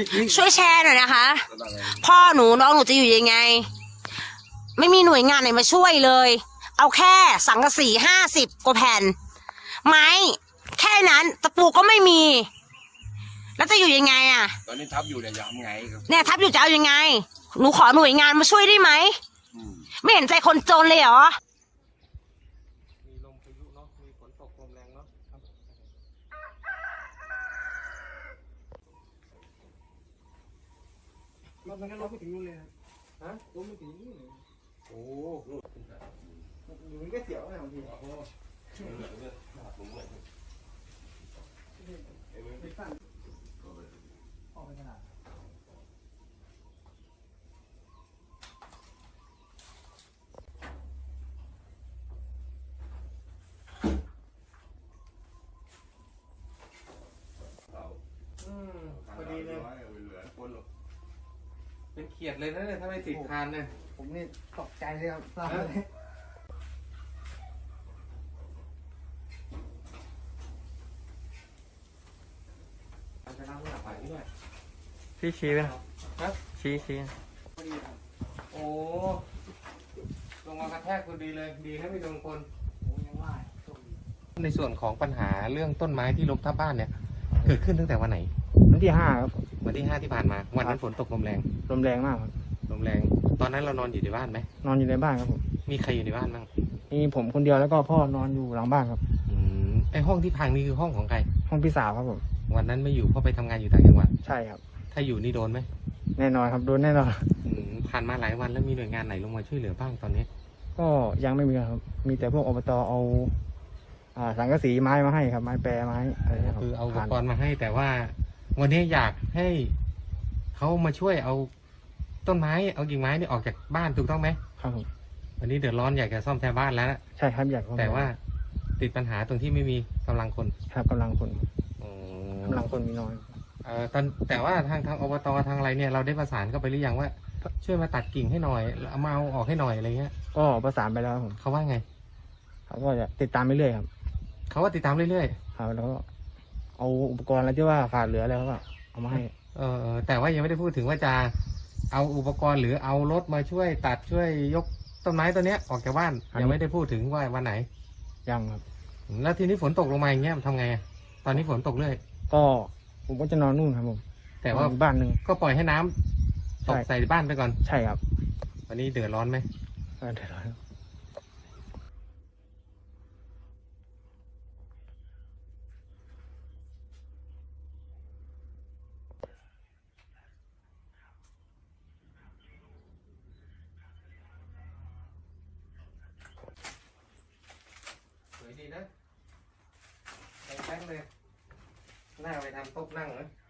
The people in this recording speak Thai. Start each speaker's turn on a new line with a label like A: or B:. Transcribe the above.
A: ช่วยแชร์หน่อยนะคะพ่อหนูน้องหนูจะอยู่ยังไงไม่มีหน่วยงานไหนมาช่วยเลยเอาแค่สังกะสี50 กว่าแผ่นไม้แค่นั้นตะปูก็ไม่มีแล้วจะอยู่ยังไงอะ
B: ตอนนี้ทับอยู่เนี่ยจะทำไงครับ
A: เนี่ยทับอยู่จะเอายังไงหนูขอหน่วยงานมาช่วยได้ไหมไม่เห็นใจคนจนเลยเหรอ
C: มีลมพายุเนาะมีฝนตกลมแรงเนาะรถมันก็ลมไม่ถึงนู่นเลยฮะลมไม่ถึงนี่เลยโอ้อยู่มันก็เสียวนะบางทีพอดีเลยเป็นเขียดเลยนะเนี่ยถ้าไม่ติดคานเนี่ยผมนี่ตกใจเลยครับทราบเลยจะนั่งหลับไปด้วยพี่ชี้ไหมครับชี้โอ้ลงมากระแทกคนดีเลยดีนะไม่โดนคนในส่วนของปัญหาเรื่องต้นไม้ที่ล้มทับบ้านเนี่ยเกิดขึ้นตั้งแต่วันไหน
D: วันที่5ครับ
C: วันที่5ที่ผ่านมาวันนั้นฝนตกลมแรง
D: มากครับ
C: ลมแรงตอนนั้นเรานอนอยู่ในบ้านไหม
D: นอนอยู่ในบ้านครับผม
C: มีใครอยู่ในบ้านบ้าง
D: มีผมคนเดียวแล้วก็พ่อนอนอยู่หลังบ้านครับ
C: ไอห้องที่พังนี่คือห้องของใคร
D: ห้องพี่สาวครับผม
C: วันนั้นไม่อยู่เพราะไปทำงานอยู่ต่างจังหวัด
D: ใช่ครับ
C: ถ้าอยู่นี่โดนไหม
D: แน่นอนครับโดนแน่นอน
C: ผ่านมาหลายวันแล้วมีหน่วยงานไหนลงมาช่วยเหลือบ้างตอนนี้
D: ก็ยังไม่มีครับมีแต่พวกอบตเอาสังกะสีไม้มาให้ครับไม้แปรไม้อะไรครับ
C: คือเอาอุปกรณ์มาให้แต่ว่าวันนี้อยากให้เขามาช่วยเอาต้นไม้เอากิ่งไม้นี่ออกจากบ้านถูกต้องไหม
D: ครับผม
C: วันนี้เดือดร้อนอยากจะซ่อมแซมบ้านแล้ว
D: ใช่ครับอยาก
C: แต่ว่าติดปัญหาตรงที่ไม่มีกำลังคน
D: ครับกำลังคนมีน้อย
C: แต่ว่าทางอบตทางอะไรเนี่ยเราได้ประสานเข้าไปหรือยังว่าช่วยมาตัดกิ่งให้หน่อยเอามาเอาออกให้หน่อยอะไรเงี้ย
D: ก็ประสานไปแล้วผม
C: เขาว่าไง
D: เขาก็จะติดตามไปเรื่อยครับ
C: เขาว่าติดตามเรื่อย
D: ๆครับแล้วก็เอาอุปกรณ์อะไรที่ว่าขาดเหลือแล้วก็เอามาให้
C: แต่ว่ายังไม่ได้พูดถึงว่าจะเอาอุปกรณ์หรือเอารถมาช่วยตัดช่วยยกต้นไม้ต้นนี้ออกจากบ้านยังไม่ได้พูดถึงว่าวันไหน
D: ยังครับ
C: แล้วทีนี้ฝนตกลงมาอย่างเงี้ยทำไงตอนนี้ฝนตกเรื่อย
D: ก็ผมก็จะนอนนู่นครับผม
C: แต่ว่า
D: บ้านหนึ่ง
C: ก็ปล่อยให้น้ำตกใส่บ้านไปก่อน
D: ใช่ครับ
C: วันนี้เดือดร้อนไหม
D: เดือดร้อน
C: สวยดีนะแป้งเลยน่าไปทำโต๊ะนั่งนะ